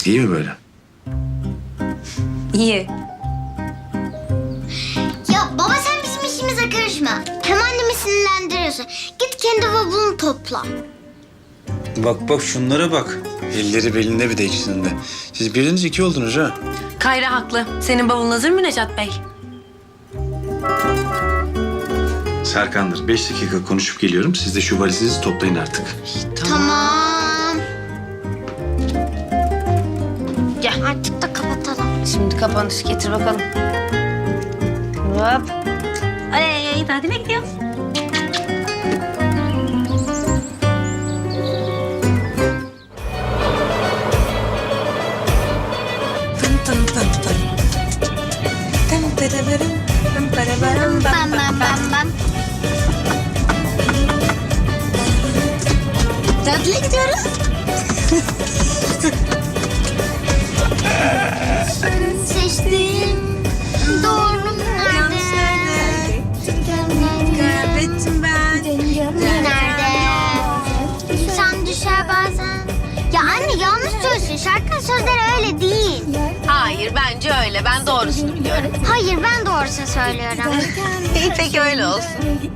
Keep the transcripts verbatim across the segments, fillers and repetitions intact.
İyi mi böyle? İyi. Ya baba sen bizim işimize karışma. Hem annemi sinirlendiriyorsun. Git kendi bavulunu topla. Bak bak şunlara bak. Elleri belinde bir de ikisinin de. Siz biriniz iki oldunuz ha. Kayra haklı. Senin bavulun hazır mı Necat Bey? Serkan'dır. Beş dakika konuşup geliyorum. Siz de şu valizinizi toplayın artık. Tamam. Gel. Artık da kapatalım. Şimdi kapanış getir bakalım. Hop. Ay, tatile gidiyoruz. Tın tın tın tın. Tın tırırırım, tın tırırırım, Bam bam bam bam. tatile gidiyoruz. Seçtim. Doğru nerede? Kaybettim ben. Nerede? İnsan düşer bazen. Ya anne yanlış söylüyorsun. Şarkının sözleri öyle değil. Hayır, bence öyle. Ben doğrusunu biliyorum. Hayır ben doğrusunu söylüyorum. İyi, peki öyle olsun.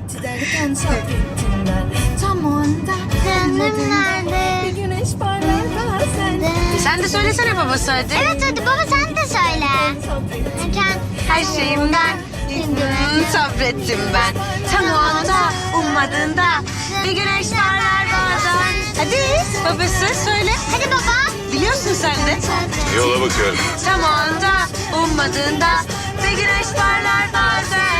Canım nerede? Sen de söylesene babası hadi. Evet hadi baba sen de söyle. Erken Her şeyimden hmm, sabrettim ben. Tam o anda ummadığında bir güneş parlar bazen. Hadi babası söyle. Hadi baba. Biliyorsun sen de. Yola bakıyorum. Tam o anda ummadığında bir güneş parlar bazen.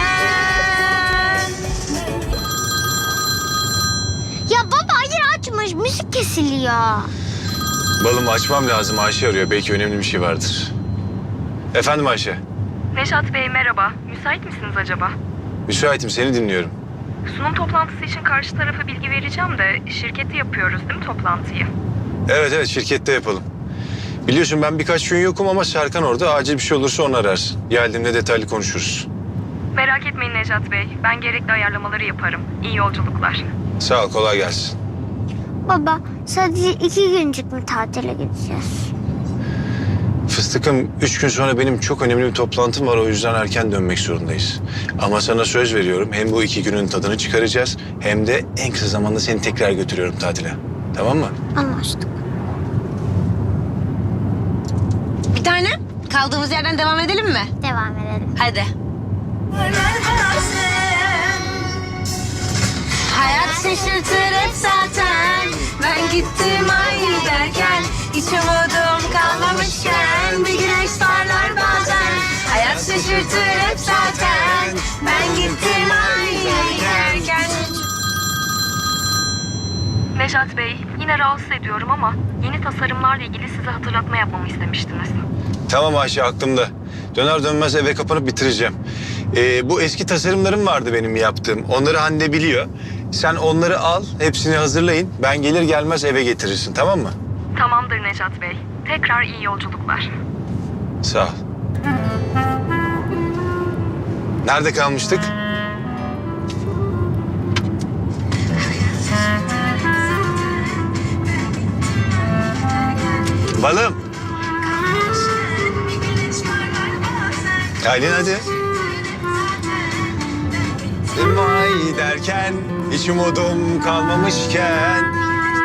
Ya baba hayır açmış müzik kesiliyor. Balım açmam lazım. Ayşe arıyor. Belki önemli bir şey vardır. Efendim Ayşe. Neşat Bey merhaba. Müsait misiniz acaba? Müsaitim. Seni dinliyorum. Sunum toplantısı için karşı tarafa bilgi vereceğim de şirkette yapıyoruz değil mi toplantıyı? Evet evet şirkette yapalım. Biliyorsun ben birkaç gün yokum ama Serkan orada. Acil bir şey olursa onu ararsın. Geldiğimde detaylı konuşuruz. Merak etmeyin Neşat Bey. Ben gerekli ayarlamaları yaparım. İyi yolculuklar. Sağ ol. Kolay gelsin. Baba sadece iki güncük mü tatile gideceğiz? Fıstıkım, üç gün sonra benim çok önemli bir toplantım var. O yüzden erken dönmek zorundayız. Ama sana söz veriyorum. Hem bu iki günün tadını çıkaracağız... hem de en kısa zamanda seni tekrar götürüyorum tatile. Tamam mı? Anlaştık. Bir tane kaldığımız yerden devam edelim mi? Devam edelim. Hadi. Hayat şaşırtır hep zaten. Ben gittim ay derken hiç umudum kalmamışken bir güneş parlar bazen. Hayat şaşırtır hep zaten. Ben gittim ay derken. Neşat Bey yine rahatsız ediyorum ama yeni tasarımlarla ilgili size hatırlatma yapmamı istemiştiniz. Tamam Ayşe, aklımda. Döner dönmez eve kapanıp bitireceğim. Ee, bu eski tasarımlarım vardı benim yaptığım. Onları Hande biliyor. Sen onları al, hepsini hazırlayın. Ben gelir gelmez eve getirirsin, tamam mı? Tamamdır Neşat Bey. Tekrar iyi yolculuklar. Sağ ol. Nerede kalmıştık? Balım. Aylin hadi. Vay derken hiç umudum kalmamışken.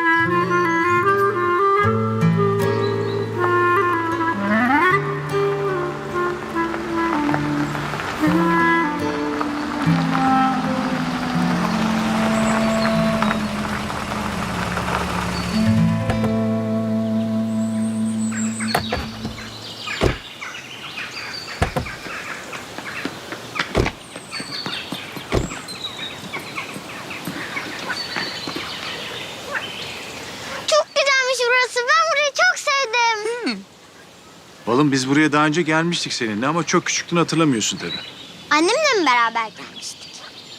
Çok güzelmiş burası. Ben burayı çok sevdim. Balım biz buraya daha önce gelmiştik seninle ama çok küçüktün, hatırlamıyorsun tabii. Annemle mi beraber gelmiştik?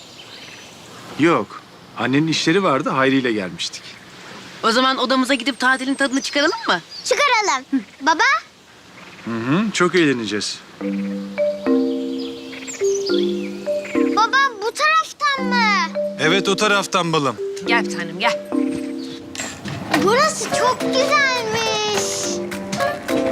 Yok. Annenin işleri vardı, Hayri ile gelmiştik. O zaman odamıza gidip tatilin tadını çıkaralım mı? Çıkaralım. Baba? Hı hı, çok eğleneceğiz. Baba bu taraftan mı? Evet, o taraftan balım. Gel bir tanem gel. Burası çok güzelmiş.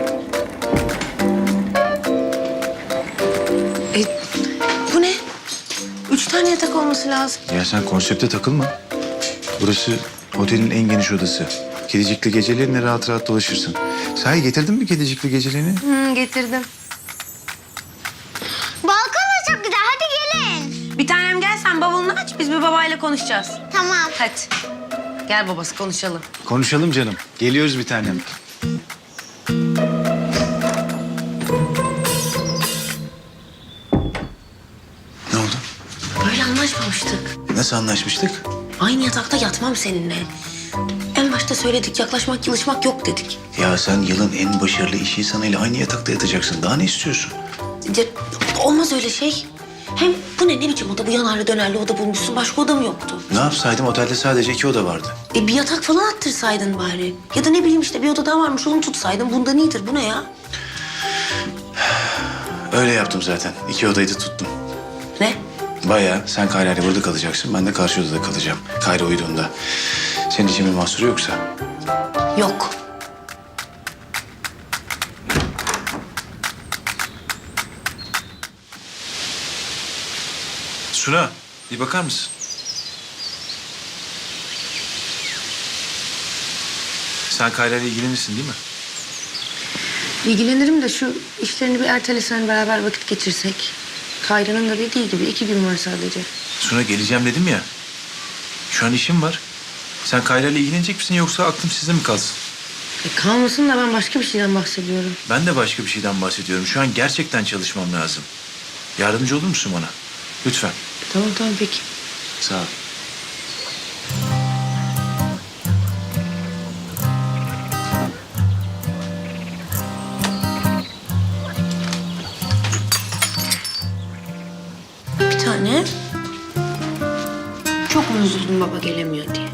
yatak olması lazım. Ya sen konsepte takılma. Burası otelin en geniş odası. Kedicikli geceliğinle rahat rahat dolaşırsın. Sahi getirdin mi kedicikli geceliğini? Hı, getirdim. Balkon da çok güzel. Hadi gelin. Bir tanem gel sen bavulunu aç. Biz bir babayla konuşacağız. Tamam. Hadi. Gel babası konuşalım. Konuşalım canım. Geliyoruz bir tanem. Ne oldu? Böyle anlaşmamıştık. Nasıl anlaşmıştık? Aynı yatakta yatmam seninle. En başta söyledik yaklaşmak yılışmak yok dedik. Ya sen yılın en başarılı iş insanıyla aynı yatakta yatacaksın. Daha ne istiyorsun? Ya, olmaz öyle şey. Hem bu ne ne biçim oda, bu yanarlı dönerli oda bulmuşsun. Başka oda mı yoktu? Ne yapsaydım, otelde sadece iki oda vardı. E bir yatak falan attırsaydın bari. Ya da ne bileyim işte bir oda daha varmış onu tutsaydın. Bundan iyidir. Bu ne ya? Öyle yaptım zaten. İki odayı da tuttum. Ne? Bayağı sen Kayra'yla burada kalacaksın. Ben de karşı odada kalacağım. Kayra uyuduğunda. Senin için bir mahsuru yoksa. Yok. Suna, bir bakar mısın? Sen Kayra'yla ilgilenirsin değil mi? İlgilenirim de şu işlerini bir ertelesen beraber vakit geçirsek. Kayra'nın da dediği gibi iki gün var sadece. Suna geleceğim dedim ya. Şu an işim var. Sen Kayra'yla ilgilenecek misin yoksa aklım sizde mi kalsın? E kalmasın da ben başka bir şeyden bahsediyorum. Ben de başka bir şeyden bahsediyorum. Şu an gerçekten çalışmam lazım. Yardımcı olur musun bana? Lütfen. Tamam tamam peki. Sağ ol. Bir tane. Çok mu üzüldün baba gelemiyor diye?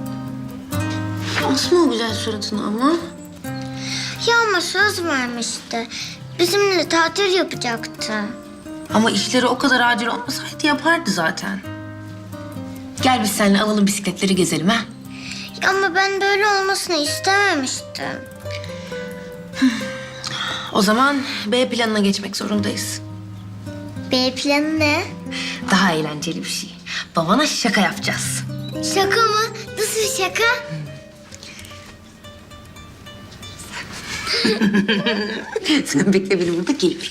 Asma o güzel suratını ama. Ya ama söz vermişti. Bizimle tatil yapacaktı. Ama işleri o kadar acil olmasaydı yapardı zaten. Gel biz seninle alalım bisikletleri gezelim ha. Ya ama ben böyle olmasını istememiştim. O zaman B planına geçmek zorundayız. B planı ne? Daha eğlenceli bir şey. Babana şaka yapacağız. Şaka mı? Nasıl bir şaka? Sen bekle beni burada geliyorum.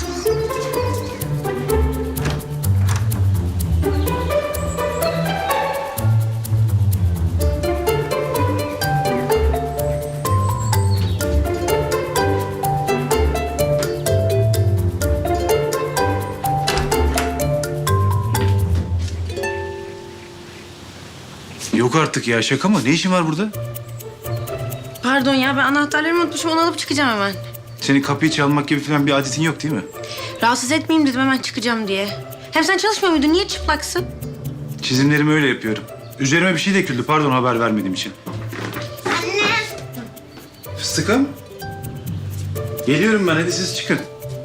Yok artık ya, şaka mı? Ne işin var burada? Pardon ya ben anahtarlarımı unutmuşum onu alıp çıkacağım hemen. Senin kapıyı çalmak gibi falan bir adetin yok değil mi? Rahatsız etmeyeyim dedim hemen çıkacağım diye. Hem sen çalışmıyor muydun? Niye çıplaksın? Çizimlerimi öyle yapıyorum. Üzerime bir şey döküldü. Pardon, haber vermediğim için. Anne. Fıstıkım. Geliyorum ben. Hadi siz çıkın.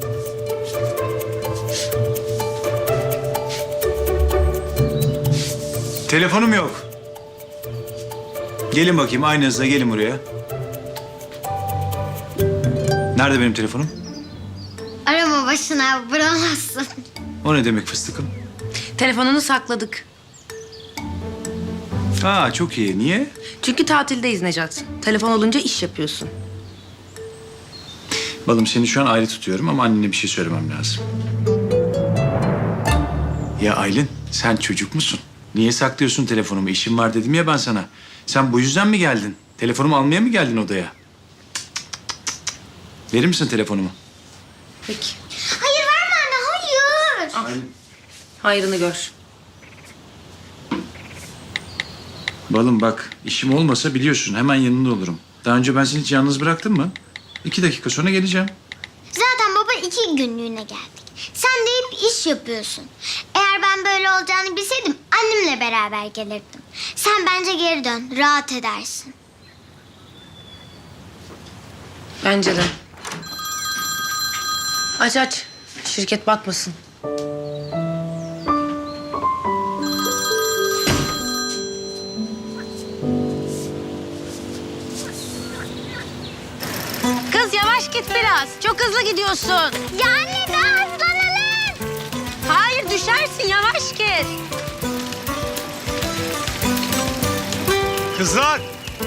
Telefonum yok. Gelin bakayım. Aynı hızla gelin buraya. Nerede benim telefonum? Arama başına vuramazsın. O ne demek fıstıkım? Telefonunu sakladık. Aa, çok iyi. Niye? Çünkü tatildeyiz Necat. Telefon olunca iş yapıyorsun. Balım, seni şu an ayrı tutuyorum ama annene bir şey söylemem lazım. Ya Aylin, sen çocuk musun? Niye saklıyorsun telefonumu? İşim var dedim ya ben sana. Sen bu yüzden mi geldin? Telefonumu almaya mı geldin odaya? Cık, cık, cık. Verir misin telefonumu? Peki. Hayır verme anne hayır. Aylin. Hayrını gör. Balım bak, işim olmasa biliyorsun hemen yanında olurum. Daha önce ben seni hiç yalnız bıraktım mı? İki dakika sonra geleceğim. Zaten baba iki günlüğüne geldik. Sen de hep iş yapıyorsun. Eğer ben böyle olacağını bilseydim annemle beraber gelirdim. Sen bence geri dön. Rahat edersin. Bence de. Aç aç. Şirket batmasın. Kız yavaş git biraz. Çok hızlı gidiyorsun. Ya anne daha hızlanalım. Hayır dur düşersin yavaş git. Kızlar!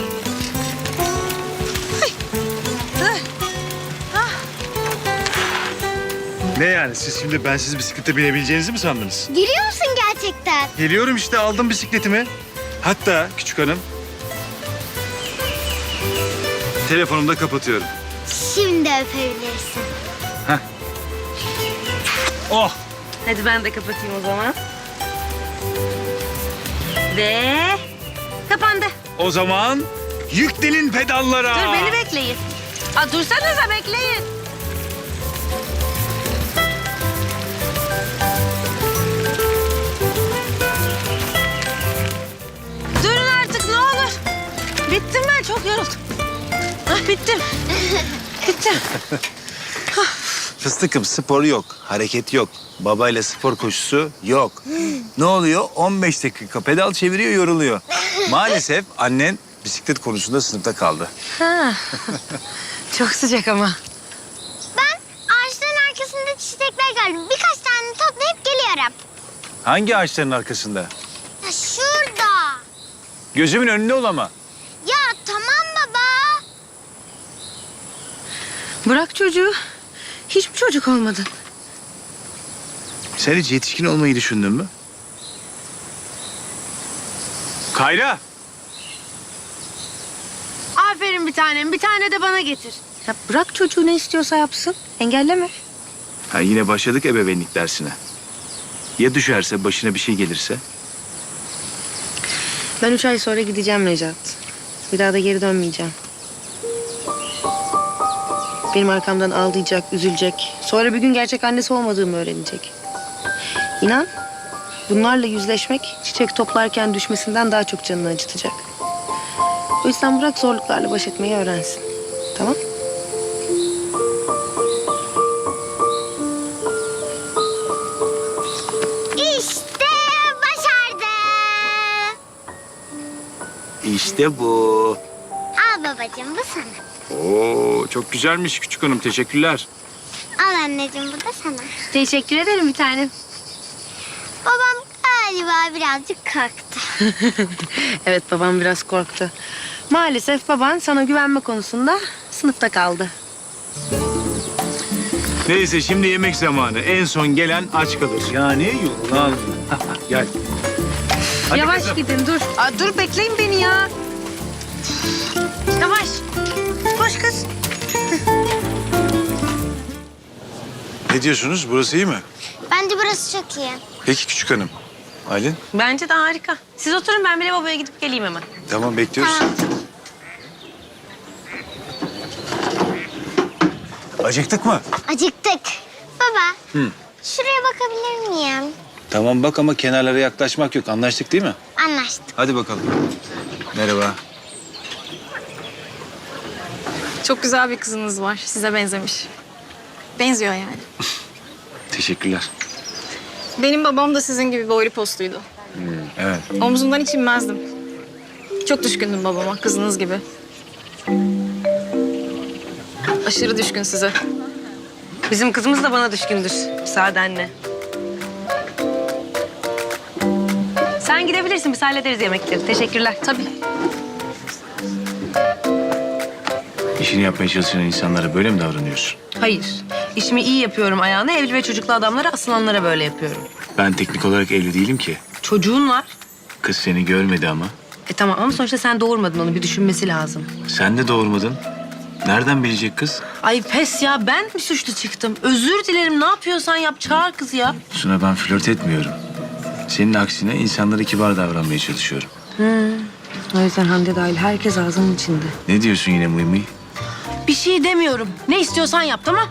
Ne yani? Siz şimdi bensiz bisiklete binebileceğinizi mi sandınız? Geliyor musun gerçekten? Geliyorum işte, aldım bisikletimi. Hatta küçük hanım... Telefonumu da kapatıyorum. Şimdi öpebilirsin. Oh! Hadi ben de kapatayım o zaman. Ve kapandı. O zaman yüklenin pedallara. Dur beni bekleyin. Aa, dursanıza bekleyin. Durun artık ne olur. Bittim ben çok yoruldum. Ah, bittim. Bittim. Fıstıkım, spor yok, hareket yok. Babayla spor koşusu yok. Ne oluyor? on beş dakika pedal çeviriyor, yoruluyor. Maalesef annen bisiklet konusunda sınıfta kaldı. Ha. Çok sıcak ama. Ben ağaçların arkasında çiçekler gördüm. Birkaç tane toplayıp geliyorum. Hangi ağaçların arkasında? Ya şurada. Gözümün önünde ol ama. Ya tamam baba. Bırak çocuğu. Hiç mi çocuk olmadın? Sen hiç yetişkin olmayı düşündün mü? Kayra! Aferin bir tanem. Bir tane de bana getir. Ya bırak çocuğu ne istiyorsa yapsın. Engelleme. Ha, yine başladık ebeveynlik dersine. Ya düşerse, başına bir şey gelirse? Ben üç ay sonra gideceğim Necat. Bir daha da geri dönmeyeceğim. Benim arkamdan ağlayacak, üzülecek. Sonra bir gün gerçek annesi olmadığımı öğrenecek. İnan, bunlarla yüzleşmek çiçek toplarken düşmesinden daha çok canını acıtacak. O yüzden bırak zorluklarla baş etmeyi öğrensin. Tamam? İşte başardım. İşte bu. Al babacığım bu sana. Oo, çok güzelmiş küçük hanım. Teşekkürler. Al anneciğim bu da sana. Teşekkür ederim bir tanem. Babam galiba birazcık korktu. Evet, babam biraz korktu. Maalesef baban sana güvenme konusunda sınıfta kaldı. Neyse, şimdi yemek zamanı. En son gelen aç kalır. Yani yorulan. Gel. Hadi Yavaş kızım. gidin, dur. Aa, dur, bekleyin beni ya. Yavaş. Koş kız. Ne diyorsunuz? Burası iyi mi? Bence burası çok iyi. Peki küçük hanım. Aylin? Bence de harika. Siz oturun, ben bile babaya gidip geleyim hemen. Tamam, bekliyoruz. Tamam. Acıktık mı? Acıktık. Baba. Hı. Şuraya bakabilir miyim? Tamam bak, ama kenarlara yaklaşmak yok. Anlaştık değil mi? Anlaştık. Hadi bakalım. Merhaba. Çok güzel bir kızınız var. Size benzemiş. Benziyor yani. Teşekkürler. Benim babam da sizin gibi boylu postuydu. Evet. Omzundan hiç inmezdim. Çok düşkündüm babama, kızınız gibi. Aşırı düşkün size. Bizim kızımız da bana düşkündür. Müsaadenle. Sen gidebilirsin, biz hallederiz yemekleri. Teşekkürler. Tabii. İşini yapmaya çalışan insanlara böyle mi davranıyorsun? Hayır. İşimi iyi yapıyorum ayağına. Evli ve çocuklu adamlara, asılanlara böyle yapıyorum. Ben teknik olarak evli değilim ki. Çocuğun var. Kız seni görmedi ama. E tamam ama sonuçta sen doğurmadın, onu bir düşünmesi lazım. Sen de doğurmadın. Nereden bilecek kız? Ay pes ya, ben mi suçlu çıktım? Özür dilerim, ne yapıyorsan yap, çağır kız ya. Suna, ben flört etmiyorum. Senin aksine insanlara kibar davranmaya çalışıyorum. O yüzden Hande dahil herkes ağzının içinde. Ne diyorsun yine mıy mıy? Bir şey demiyorum. Ne istiyorsan yap, tamam?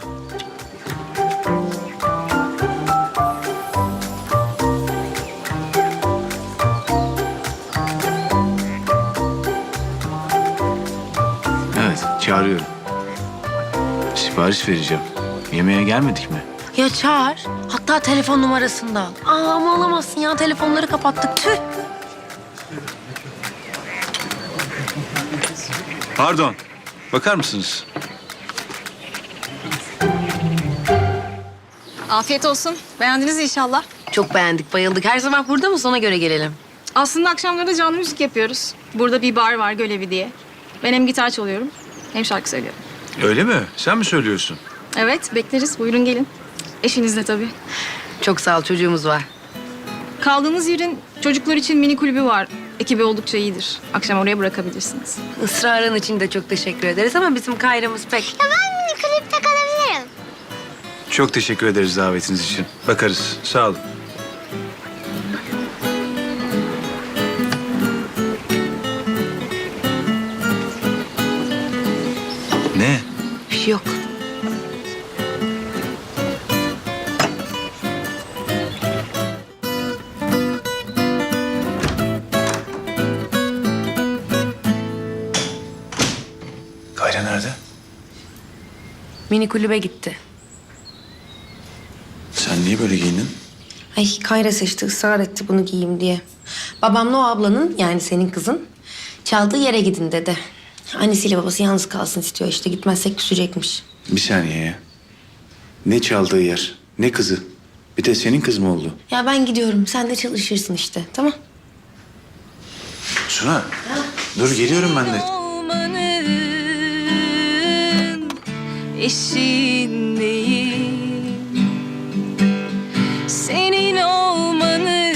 Evet, çağırıyorum. Sipariş vereceğim. Yemeğe gelmedik mi? Ya çağır. Hatta telefon numarasını da al. Aa, ama alamazsın ya. Telefonları kapattık. Tüh. Pardon. Bakar mısınız? Afiyet olsun. Beğendiniz inşallah. Çok beğendik, bayıldık. Her sabah burada mı? Ona göre gelelim. Aslında akşamları da canlı müzik yapıyoruz. Burada bir bar var, Gölevi diye. Ben hem gitar çalıyorum hem şarkı söylüyorum. Öyle mi? Sen mi söylüyorsun? Evet, bekleriz. Buyurun gelin. Eşinizle tabii. Çok sağ ol, çocuğumuz var. Kaldığınız yerin çocuklar için mini kulübü var. Ekibi oldukça iyidir. Akşam oraya bırakabilirsiniz. Israrın için de çok teşekkür ederiz ama bizim Kayra'mız pek... Ya ben mini kulüpte kalabilirim. Çok teşekkür ederiz davetiniz için. Bakarız. Sağ olun. Ne? Bir şey yok. Kayra nerede? Mini kulübe gitti. Sen niye böyle giyindin? Ay Kayra seçti, ısrar etti bunu giyeyim diye. Babamla o ablanın, yani senin kızın, çaldığı yere gidin dedi. Annesiyle babası yalnız kalsın istiyor işte, gitmezsek küsecekmiş. Bir saniye ya. Ne çaldığı yer, ne kızı. Bir de senin kız mı oldu? Ya ben gidiyorum, sen de çalışırsın işte, tamam? Suna, dur geliyorum ben de. Olmanın eşindeyim. Senin olmanın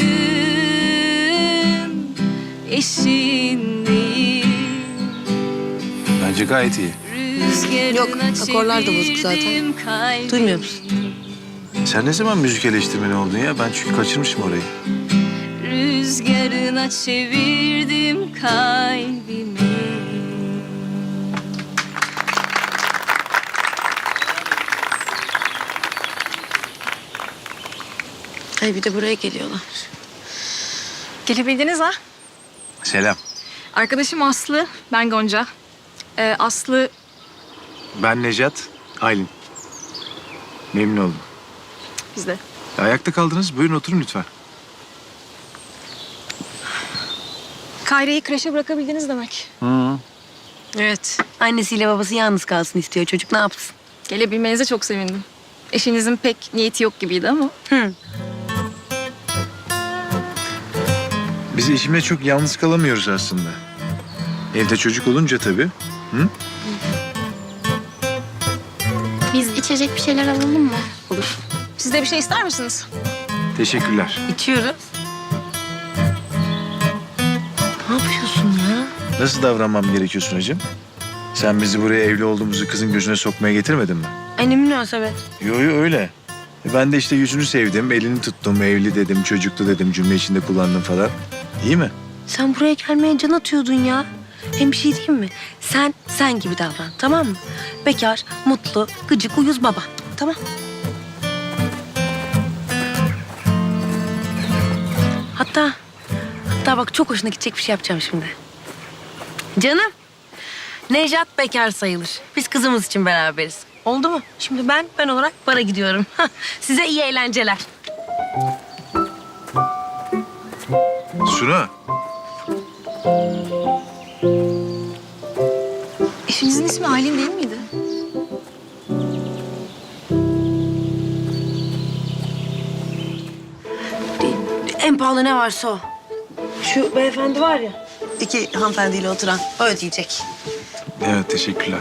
eşindeyim. Bence gayet iyi. Yok, akorlar da bozuk zaten. Duymuyor musun? Sen ne zaman müzik eleştirmeni oldun ya? Ben çünkü kaçırmışım orayı. Rüzgarına çevirdim kalbimi. Ay bir de buraya geliyorlar. Gelebildiniz ha? Selam. Arkadaşım Aslı, ben Gonca. Ee, Aslı Ben Necat, Aylin. Memnun oldum. bizde. Ayakta kaldınız. Buyurun oturun lütfen. Kayra'yı kreşe bırakabildiniz demek. Hı. Evet. Annesiyle babası yalnız kalsın istiyor. Çocuk ne yapsın? Gelebilmenize çok sevindim. Eşinizin pek niyeti yok gibiydi ama. Hı. Biz eşimle çok yalnız kalamıyoruz aslında. Evde çocuk olunca tabii. Hı? Biz içecek bir şeyler alalım mı? Olur. Siz de bir şey ister misiniz? Teşekkürler. İçiyoruz. Ne yapıyorsun ya? Nasıl davranmam gerekiyor Sunacığım? Sen bizi buraya evli olduğumuzu kızın gözüne sokmaya getirmedin mi? Ay ne münasebet. Yo yo öyle. E Ben de işte yüzünü sevdim, elini tuttum, evli dedim, çocuklu dedim, cümle içinde kullandım falan. İyi mi? Sen buraya gelmeye can atıyordun ya. Hem bir şey diyeyim mi? Sen sen gibi davran, tamam mı? Bekar, mutlu, gıcık, uyuz baba. Tamam. Hatta, hatta bak çok hoşuna gidecek bir şey yapacağım şimdi. Canım, Nejat bekar sayılır. Biz kızımız için beraberiz. Oldu mu? Şimdi ben, ben olarak bara gidiyorum. Size iyi eğlenceler. Suna. Eşinizin ismi Aylin değil miydi? En pahalı ne varsa o. Şu beyefendi var ya, iki hanımefendiyle oturan, o ödeyecek. Evet teşekkürler.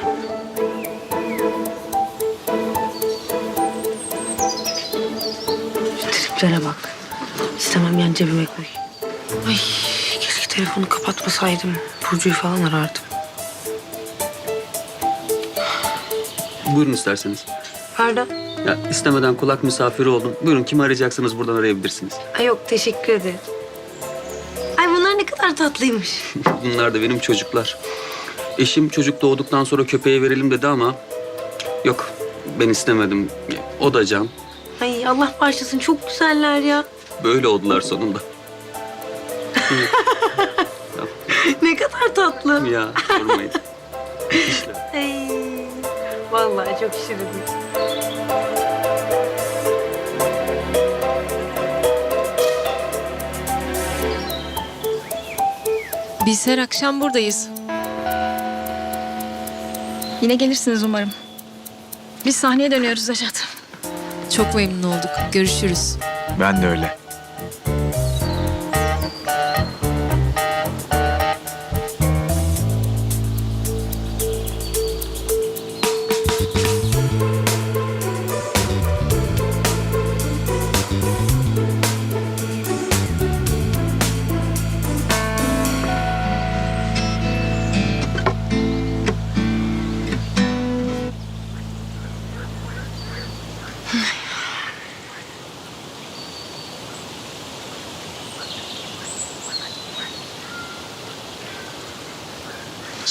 Triplere bak. İstemem yani cebime koy. Ay keşke telefonu kapatmasaydım. Burcu'yu falan arardım. Buyurun isterseniz. Pardon? Ya istemeden kulak misafiri oldum. Buyurun kimi arayacaksanız buradan arayabilirsiniz. Ay yok teşekkür ederim. Ay bunlar ne kadar tatlıymış. Bunlar da benim çocuklar. Eşim çocuk doğduktan sonra köpeğe verelim dedi ama yok ben istemedim. O da can. Ay Allah bağışlasın çok güzeller ya. Böyle oldular sonunda. Ne kadar tatlı. Ya sormayın. Ay, vallahi çok şirin. Biz her akşam buradayız. Yine gelirsiniz umarım. Biz sahneye dönüyoruz Nejat. Çok memnun olduk. Görüşürüz. Ben de öyle.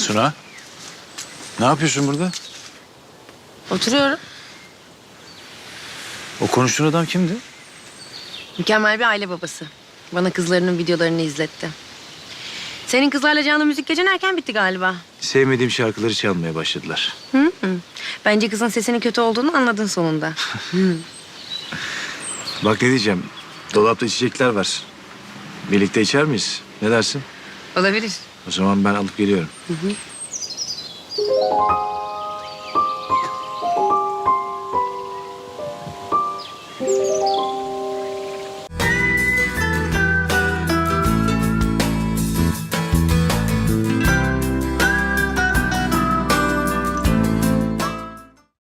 Suna, ne yapıyorsun burada? Oturuyorum. O konuştuğun adam kimdi? Mükemmel bir aile babası. Bana kızlarının videolarını izletti. Senin kızlarla canlı müzik gecen erken bitti galiba. Sevmediğim şarkıları çalmaya başladılar. Hı hı. Bence kızın sesinin kötü olduğunu anladın sonunda. Bak ne diyeceğim, dolapta içecekler var. Birlikte içer miyiz? Ne dersin? Olabilir. O zaman ben alıp geliyorum. Hı hı.